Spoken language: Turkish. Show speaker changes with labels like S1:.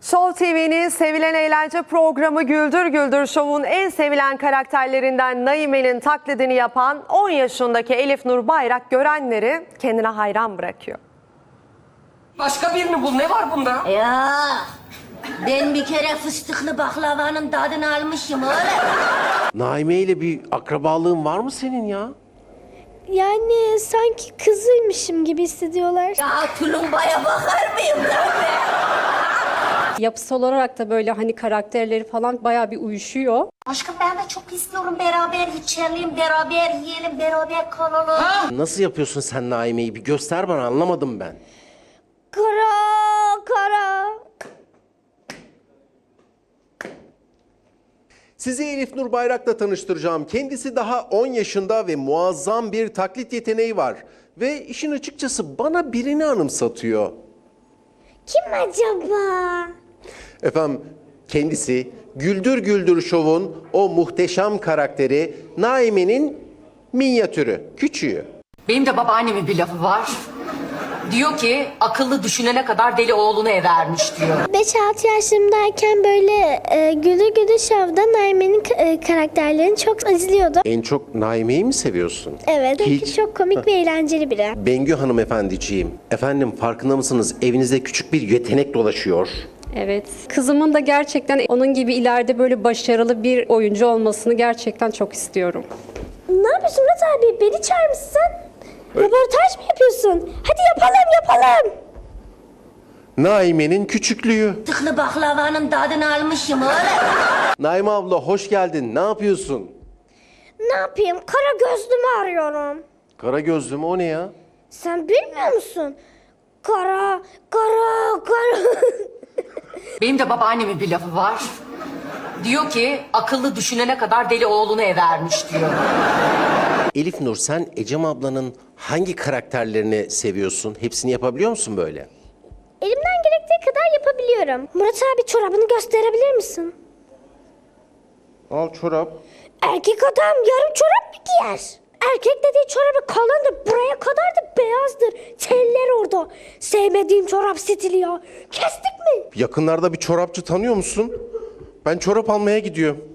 S1: Show TV'nin sevilen eğlence programı Güldür Güldür Show'un en sevilen karakterlerinden Naime'nin taklidini yapan 10 yaşındaki Elif Nur Bayrak görenleri kendine hayran bırakıyor.
S2: Başka birini bul. Ne var bunda?
S3: Ya ben bir kere fıstıklı baklavanın tadını almışım oğlum.
S4: Naime ile bir akrabalığın var mı senin ya?
S5: Yani sanki kızıymışım gibi hissediyorlar.
S3: Ya tulumbaya bakar mıyım lan ben?
S6: Yapısal olarak da böyle hani karakterleri falan bayağı bir uyuşuyor.
S3: Aşkım ben de çok istiyorum beraber içelim, beraber yiyelim, beraber kalalım.
S4: Nasıl yapıyorsun sen Naime'yi? Bir göster bana, anlamadım ben.
S5: Kara kara.
S4: Sizi Elif Nur Bayrak'la tanıştıracağım. Kendisi daha 10 yaşında ve muazzam bir taklit yeteneği var. Ve işin açıkçası bana birini anımsatıyor.
S5: Kim acaba?
S4: Efendim, kendisi Güldür Güldür Show'un o muhteşem karakteri Naime'nin minyatürü, küçüğü.
S2: Benim de babaannemin bir lafı var. Diyor ki akıllı düşünene kadar deli oğlunu evermiş diyor.
S5: 5-6 yaşlarımdayken böyle Güldür Güldür Show'da Naime'nin karakterlerini çok izliyordum.
S4: En çok Naime'yi mi seviyorsun?
S5: Evet, çünkü
S4: Hiç.
S5: çok komik ve eğlenceli biri.
S4: Bengü hanımefendiciğim, efendim farkında mısınız? Evinizde küçük bir yetenek dolaşıyor.
S6: Evet. Kızımın da gerçekten onun gibi ileride böyle başarılı bir oyuncu olmasını gerçekten çok istiyorum.
S5: Ne yapıyorsun Murat abi? Beni çağırmışsın. Röportaj mı yapıyorsun? Hadi yapalım.
S4: Naime'nin küçüklüğü.
S3: Fıstıklı baklavanın tadını almışım oğlum.
S4: Naime abla hoş geldin. Ne yapıyorsun?
S5: Ne yapayım? Kara gözlümü arıyorum.
S4: Kara gözlüm o ne ya?
S5: Sen bilmiyor musun? Kara.
S2: Benim de babaannemin bir lafı var. Diyor ki akıllı düşünene kadar deli oğlunu evermiş diyor.
S4: Elif Nur, sen Ecem ablanın hangi karakterlerini seviyorsun? Hepsini yapabiliyor musun böyle?
S5: Elimden gerektiği kadar yapabiliyorum. Murat abi çorabını gösterebilir misin?
S4: Al çorap.
S5: Erkek adam yarım çorap mı giyer? Erkek dediği çorabı kalındır. Buraya kadar da beyazdır. Teller orada. Sevmediğim çorap stili ya. Kestik mi?
S4: Yakınlarda bir çorapçı tanıyor musun? Ben çorap almaya gidiyorum.